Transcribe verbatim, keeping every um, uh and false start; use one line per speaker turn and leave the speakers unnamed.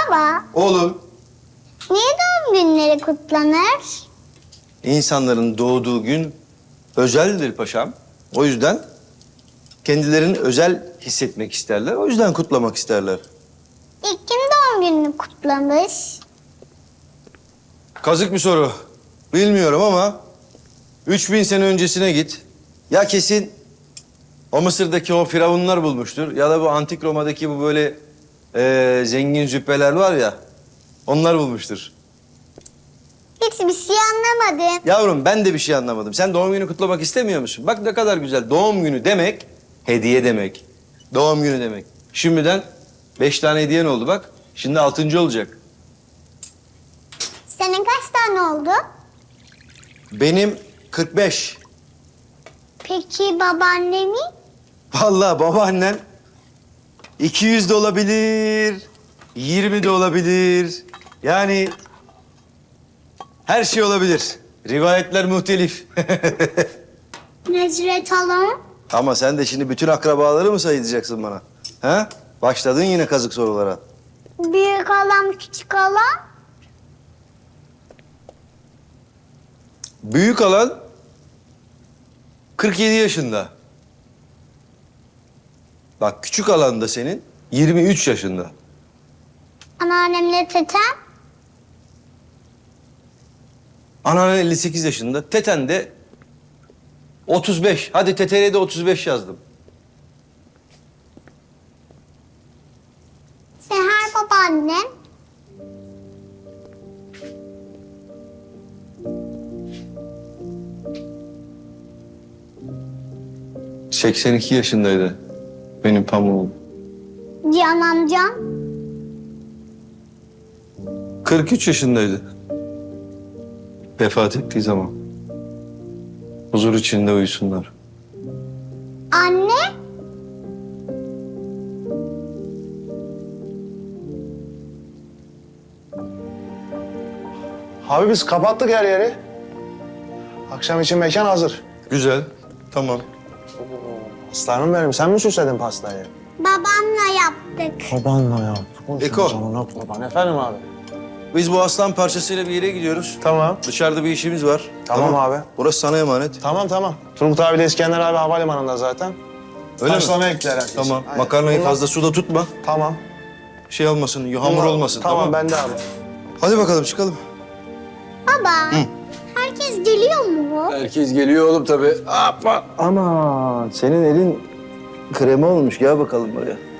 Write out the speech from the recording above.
Baba,
Oğlum,
niye doğum günleri kutlanır?
insanların doğduğu gün özeldir paşam. O yüzden kendilerini özel hissetmek isterler. O yüzden kutlamak isterler.
İlk kim doğum gününü kutlamış?
Kazık bir soru. Bilmiyorum ama üç bin sene öncesine git. Ya kesin o Mısır'daki o firavunlar bulmuştur. Ya da bu antik Roma'daki bu böyle eee, zengin züppeler var ya. Onlar bulmuştur.
Hiçbir şey anlamadım.
Yavrum ben de bir şey anlamadım. Sen doğum günü kutlamak istemiyor musun? Bak ne kadar güzel. Doğum günü demek hediye demek. Doğum günü demek. Şimdiden beş tane hediyen oldu bak. Şimdi altıncı olacak.
Senin kaç tane oldu?
Benim kırk beş.
Peki babaannemin?
Vallahi babaannen iki yüz de olabilir, yirmi de olabilir. Yani her şey olabilir. Rivayetler muhtelif.
Necret halam?
Ama sen de şimdi bütün akrabaları mı sayacaksın bana? Ha? Başladın yine kazık sorulara.
Büyük halam, küçük halam?
Büyük alan kırk yedi yaşında. Bak küçük alan da senin yirmi üç yaşında.
Anneannemle tetem?
Anan elli sekiz yaşında. Teten de otuz beş. Hadi teteye de otuz beş yazdım.
Seher babaannem?
seksen iki yaşındaydı benim pamuğum.
Cihan amcam?
kırk üç yaşındaydı. Vefat ettiği zaman. Huzur içinde uyusunlar.
Anne?
Abi biz kapattık her yeri. Akşam için mekan hazır.
Güzel. Tamam.
Aslanım benim, sen mi süsledin pastayı?
Babamla yaptık.
Babanla yaptık.
Eko.
Canına kurban. Efendim abi?
Biz bu aslan parçasıyla bir yere gidiyoruz.
Tamam.
Dışarıda bir işimiz var.
Tamam abi.
Burası sana emanet.
Tamam tamam. Turgut abiyle İskender abi havalimanında zaten.
Öyle mi?
Taşlamaya gittiler herkes.
Tamam.
Aynen.
Makarnayı
Bunlar-
fazla suda tutma.
Tamam.
Şey olmasın, hamur
Bunlar-
olmasın.
Tamam,
Tamam.
ben de abi.
Hadi bakalım çıkalım.
Baba, herkes geliyor mu?
Herkes geliyor oğlum tabii. Ama senin elin krema olmuş. Gel bakalım buraya.